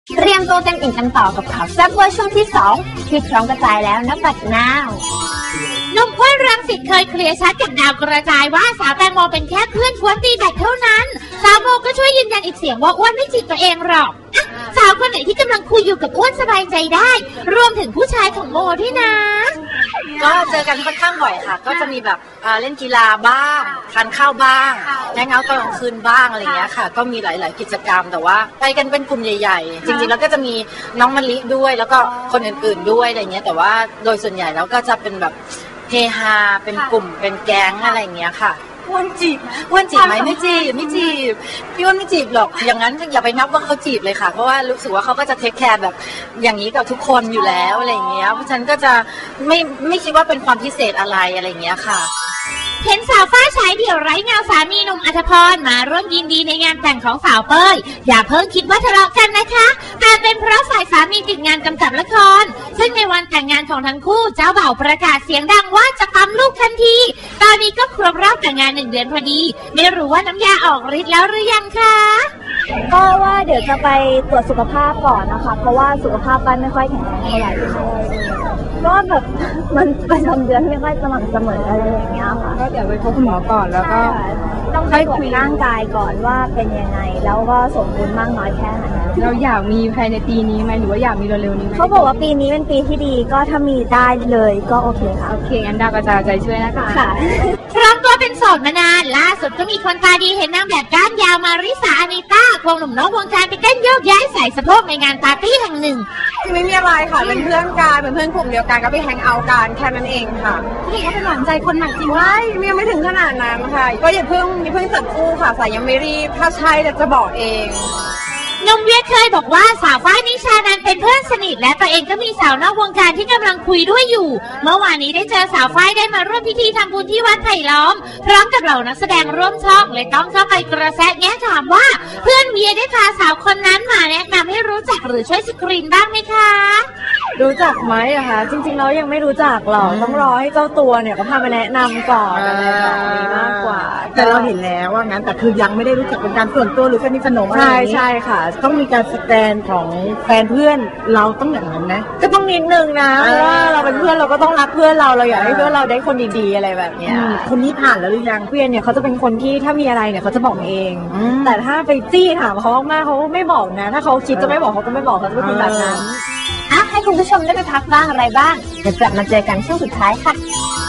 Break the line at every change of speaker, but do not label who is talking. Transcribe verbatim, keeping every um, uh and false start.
เตรียมตัวเต็มอิ่มกันต่อกับข่าวแซ่บเวอร์ช่วงที่สองที่พร้อมกระจายแล้วนับบัดนาว
หนุ่มอ้วนรังสิตเคยเคลียร์ชัดกับดาวกระจายว่าสาวแตงโมเป็นแค่เพื่อนกวนตีแบตเท่านั้นสาวโมก็ช่วยยืนยันอีกเสียงว่าอ้วนไม่จีบตัวเองหรอกสาวคนไหนที่กำลังคุยอยู่กับอ้วนสบายใจได้รวมถึงผู้ชายของโมด้วยนะ
ก็เจอกันค่อนข้างบ่อยค่ะก็จะมีแบบเล่นกีฬาบ้างทานข้าวบ้างแล้งเอาตอนกลางคืนบ้างอะไรเงี้ยค่ะก็มีหลายๆกิจกรรมแต่ว่าไปกันเป็นกลุ่มใหญ่ๆจริงๆแล้วก็จะมีน้องมะลิด้วยแล้วก็คนอื่นๆด้วยอะไรเงี้ยแต่ว่าโดยส่วนใหญ่แล้วก็จะเป็นแบบเฮฮาเป็นกลุ่มเป็นแก๊งอะไรเงี้ยค่ะอ้วนจีบอ้วนจีบไหมไม่จีบไม่จีบพี่อ้วนไม่จีบหรอกอย่างนั้นอย่าไปนับว่าเขาจีบเลยค่ะเพราะว่ารู้สึกว่าเขาก็จะเทคแคร์แบบอย่างนี้กับทุกคนอยู่แล้วอะไรเงี้ยเพราะฉะนั้นก็จะไม่ไม่คิดว่าเป็นความพิเศษอะไรอะไรเงี้ยค่ะ
เห็นสาวฟ้าฉายเดี่ยวไร้เงาสามีหนุ่มอัธพรมาร่วมยินดีในงานแต่งของสาวเป้ยอย่าเพิ่งคิดว่าทะเลาะกันนะคะแต่เป็นเพราะฝ่ายสามีติดงานกำกับละครซึ่งในวันแต่งงานของทั้งคู่เจ้าบ่าวประกาศเสียงดังว่าจะปั๊มลูกทันทีตอนนี้ก็ครบรอบแต่งงานหนึ่งเดือนพอดีไม่รู้ว่าน้ำยาออกฤทธิ์แล้วหรือยังคะ
ก็ว่าเดี๋ยวจะไปตรวจสุขภาพก่อนนะคะเพราะว่าสุขภาพบ้านไม่ค่อยแข็งแรงเท่าไหร่ก็แบบมันประจำเดือนไม่ค่อยสม่ำเสมออะไรอย่างเงี้ยค่ะ
ก็เดี๋ยวไปพบคุณหมอก่อนแล้วก็
ต้องไปตรวจร่างกายก่อนว่าเป็นยังไงแล้วก็สมบูรณ์มากน้อยแค่ไหน
เราอยากมีภายในปีนี้ไหมหรือว่าอยากมีเร็วๆนี้ไหม
เขาบอกว่าปีนี้เป็นปีที่ดีก็ถ้ามีได้เลยก็โอเคค่ะ
โอเคงั้นดาวกระจายใจช่วยนะคะ
ค่ะ
พร้อมตัวเป็นโสดมานานล่าสุดก็มีคนตาดีเห็นนางแบบก้านยาวมาริสาอานิต้าควงหนุ่มน้องวงการไปเต้นโยกย้ายใส่สะโพกในงานปาร์ตี้แห่งหนึ่ง
ไม่มีอะไรค่ะเป็นเพื่อนกันเป็นเพื่อนกลุ่มเดียวกันก็ไปแฮงเอาท์กันแค่นั้นเองค่ะ
พี่ก็เป็นหวานใจคนใหม่จริง
ไม่ยังไม่ถึงขนาดนั้นค่ะก็อย่าเพิ่งอย่าเพิ่งจับคู่ค่ะสายยังไม่รีบถ้าใช่จะบอกเอง
หนุ่มเวียเคยบอกว่าสาวฝ้ายนิชานันเป็นเพื่อนสนิทและตัวเองก็มีสาวนอกวงการที่กำลังคุยด้วยอยู่เมื่อวานนี้ได้เจอสาวฝ้ายได้มาร่วมพิธีทำบุญที่วัดไผ่ล้อมพร้อมกับเหล่านักแสดงร่วมช่องเลยต้องเข้าไปกระแสแง่ถามว่าเพื่อนเวียได้พาสาวคนนั้นมาแนะนำให้รู้จักหรือช่วยสกรีนบ้างไหมคะ
รู้จักไหมอะคะจริงๆเรายังไม่รู้จักหรอกต้องรอให้เจ้าตัวเนี่ยเขาพามาแนะนำก่อนอะไรแบบนี้มากกว่า
แต่เราเห็นแล้วว่างั้นแต่คือยังไม่ได้รู้จักเป็นการส่วนตัวหรือสนิทสนมอะไร
ใช่ใช่ค่ะ
ต้องมีการสแกนของแฟนเพื่อนเราต้องอย่างนั้นนะ
ก็ต้องนิดนึงนะเพราะว่าเราเป็นเพื่อนเราก็ต้องรักเพื่อนเราเราอยากให้เพื่อนเราได้คนดีๆอะไรแบบเนี้ย
คนนี้ผ่านแล้วหรือยัง
เพื่อนเนี่ยเขาจะเป็นคนที่ถ้ามีอะไรเนี่ยเขาจะบอกเองแต่ถ้าไปจี้ถามเขามากเขาไม่บอกนะถ้าเขาคิดจะไม่บอกเขาก็ไม่บอกเขาจะเป็นคนแบบนั้น
อ่ะให้คุณผู้ชมได้ไปพักบ้างอะไรบ้างเดี๋ยวกลับมาเจอกันช่วงสุดท้ายค่ะ